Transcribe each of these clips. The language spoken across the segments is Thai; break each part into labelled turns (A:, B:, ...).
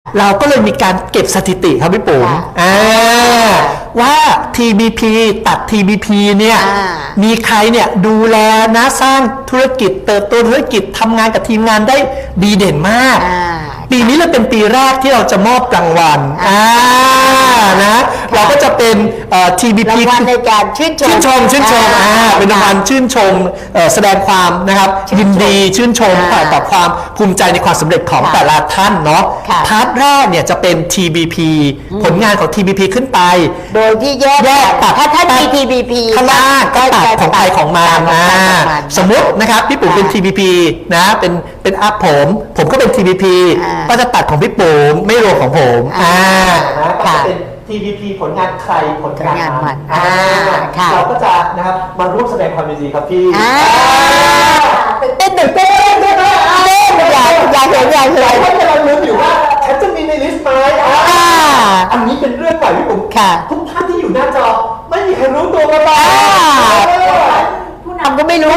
A: เราก็เลยมีการเก็บสถิติครับพี่ปุ๋มว่า TBP ตัด TBP เนี่ยมีใครเนี่ยดูแลนะสร้างธุรกิจเติบโตธุรกิจทำงานกับทีมงานได้ดีเด่นมากปีนี้เลยเป็นปีแรกที่เราจะมอบรางวัลนะเราก็จะเป็น TBP
B: รางวัลในการชื่นชม
A: เป็นรางวัลชื่นชมแสดงความนะครับยินดีชื่นชมต่อความภูมิใจในความสำเร็จของแต่ละท่านเนาะพาร์ทแรกเนี่ยจะเป็น TBP ผลงานของ TBP ขึ้นไป
B: โดยที่แยกตัดถ้ามี TBP
A: ข้างล่างก็ตัดของใครของมันสมมตินะครับพี่ปุ๋มเป็น TBP นะเป็นอัพผมก็เป็น TBP ก็จะตัดของพี่ปุ๋มไม่รวมของผมก็จะเป็น TBP ผลงานใครผลงานมันเราก็จะนะครับมาร่วมแสดงความยินดีครับพี่
B: เต้นอยากเห็น
A: ท่านกำลังลุ้นอยู่ว่าฉันจะมีในลิสต์ไหมอันนี้เป็นเรื่องใหม่พี่ปุ๋มทุกท่านที่อยู่หน้าจอไม่มีใครรู้ตัวมาบ้าง
B: ผู้นำก็ไม่รู้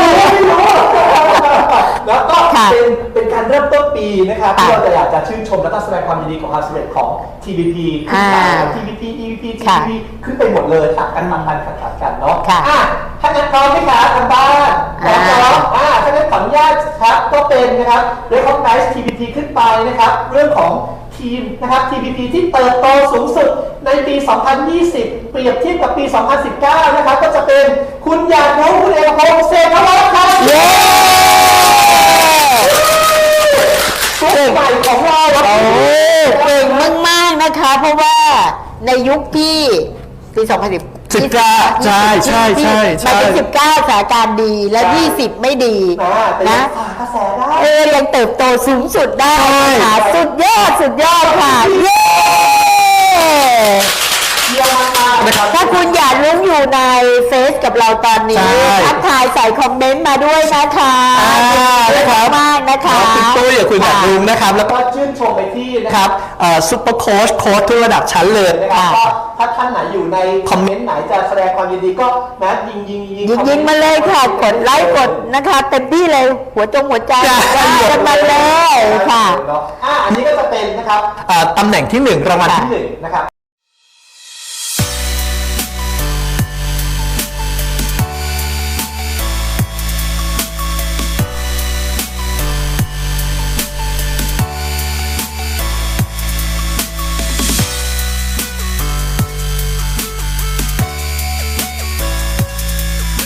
A: แล้วก็เป็นการเริ่มต้นปีนะครับที่เราจะอยากจะชื่นชมและก็แสดงความยินดีของความสำเร็จของ TBP ขึ้นไป TBP EVP TBP ขึ้นไปหมดเลยตัดกันกันเนาะถ้างั้นพร้อมไหมคะทางบ้านพร้อมถ้างั้นขออนุญาตครับก็เป็นนะครับ Recognize TBP ขึ้นไปนะครับเรื่องของทีมนะครับ TBP ที่เติบโตสูงสุดในปี 2020 เปรียบเทียบกับปี 2019 นะครับก็จะเป็นคุณอยากรู้คุณเอกพงษ์เศรษฐวัฒน์ครับใหม่ของเรา
B: เก่งมากๆนะคะเพราะว่าในยุคที่ปี 2019
A: ใช่
B: มาที่19สถานการณ์ดีและ20ไม่ดีนะยังเติบโตสูงสุดได้ค่ะสุดยอดค่ะเย้ถ้าคุณอยากลุ้นอยู่ในเฟซกับเราตอนนี้ทักทายใส่คอมเมนต์มาด้วยนะคะมากนะคะ
A: คุณตุ้ยกับคุณอยากลุ้นนะครับแล้วก็ชื่นชมไปที่นะครับซุปเปอร์โค้ชทุกระดับชั้นเลยนะครับก็ถ้าท่านไหนอยู่ในคอมเมนต์ไหนจะแสดงความยินดีก็นะยิง
B: มาเลยค่ะกดไลค์กดนะคะเต็มที่เลยหัวใจกันมาเลยค่ะ
A: อันนี้ก็จะเป็นนะครับตำแหน่งที่1รางวัลที่1นะครับ